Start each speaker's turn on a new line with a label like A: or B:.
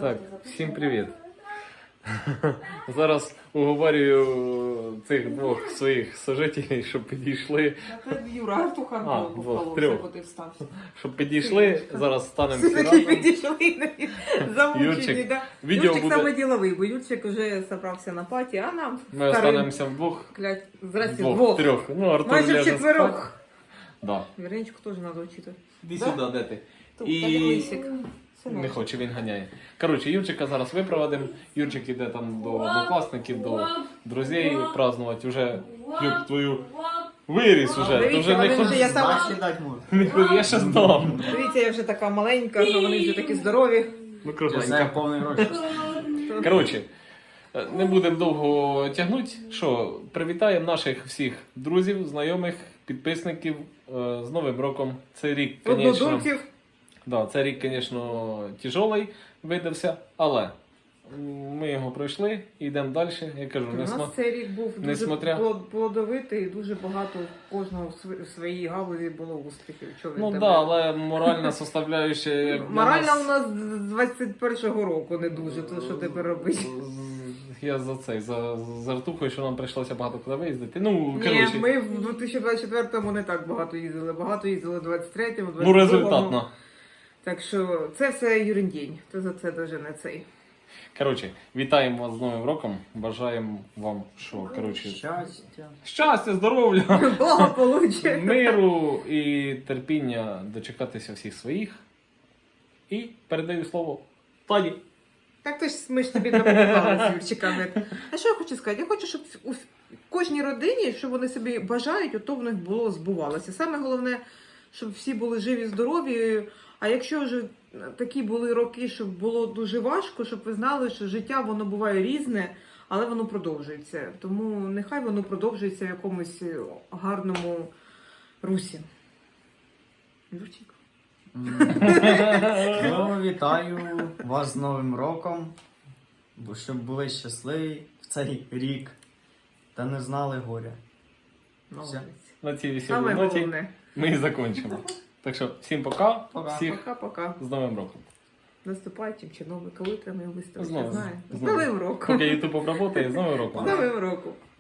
A: Так, всім привіт. Зараз уговорюю цих двох своїх сожителів, щоб підійшли.
B: Юра, Артуха
A: двох,
B: трьох.
A: трьох. Щоб підійшли, зараз станемо всі
B: Все-таки
A: разом.
B: підійшли, замучені,
A: Юрчик,
B: да?
A: відео
B: Юрчик
A: буде-
B: саме діловий, бо Юрчик вже зібрався на паті, а нам
A: Ми останемося вдвох.
B: Здрасте,
A: Двох,
B: двох.
A: трьох. Ну, Артур
B: Майже
A: ляже
B: вчетверох.
A: спати. Да.
B: Віренечку теж треба вчити.
A: Іди
B: Да?
A: сюди, де ти?
B: Тут,
A: І-
B: так як лисик.
A: Не хоче, він ганяє. Коротше, Юрчика зараз випроводимо. Юрчик іде там до однокласників, до друзей празднувати. Уже, Юр, твою виріс уже. Ти вже не
B: Дивіться, я
A: ходи.
B: сама...
A: Не ходи, я ще здам.
B: Дивіться, я вже така маленька, що вони вже такі здорові.
A: Ну,
C: Це
A: кругленька.
C: повний гроші.
A: Коротше, не будемо довго тягнути. Що, привітаємо наших всіх друзів, знайомих, підписників з Новим роком. Це рік, звісно,
B: Однодумців.
A: да, це рік, звісно, тяжелий видався, але ми його пройшли і йдемо далі. Я кажу,
B: У нас цей рік був дуже
A: несмотря-
B: плодовитий, дуже багато у кожного в своїй галузі було успіхів. Чого він
A: Ну так,
B: тебе?
A: да, але моральна составляюча, як для
B: Морально
A: нас-
B: у нас з 21-го року не дуже, то що тепер робити?
A: Я за цей, за Артухою, що нам прийшлося багато куди виїздити. Ну,
B: Ні,
A: коротше,
B: ми в 2024-му не так багато їздили. Багато їздили в 23-му, 22-му.
A: ну результатно.
B: Так що це все Юріндінь. То за це дуже не цей.
A: Коротше, вітаємо вас з Новим роком. Бажаємо вам, що, коротше,
C: Щастя.
A: щастя, здоров'я,
B: Благополуччя.
A: миру і терпіння дочекатися всіх своїх. І передаю слово Тані.
B: Так то ж ми ж тобі допомагали з Юрчиками. А що я хочу сказати? Я хочу, щоб у кожній родині, що вони собі бажають, ото в них було збувалося. Саме головне, щоб всі були живі, здорові. А якщо вже такі були роки, щоб було дуже важко, щоб ви знали, що життя воно буває різне, але воно продовжується. Тому нехай воно продовжується в якомусь гарному русі. Юрчик.
C: Ну, вітаю вас з Новим роком, бо щоб були щасливі в цей рік та не знали горя.
B: Молодець.
A: На цій веселій
B: Саме
A: ноті
B: головне.
A: ми і закінчимо. Так що, всім пока,
C: Пока.
A: всіх
B: Пока-пока.
A: з Новим роком.
B: Наступаючим чи новим, коли треба його виставити,
A: Знову,
B: я знаю. З
A: знову.
B: Новим роком.
A: Поки YouTube обработає, з Новим роком.
B: З Новим роком.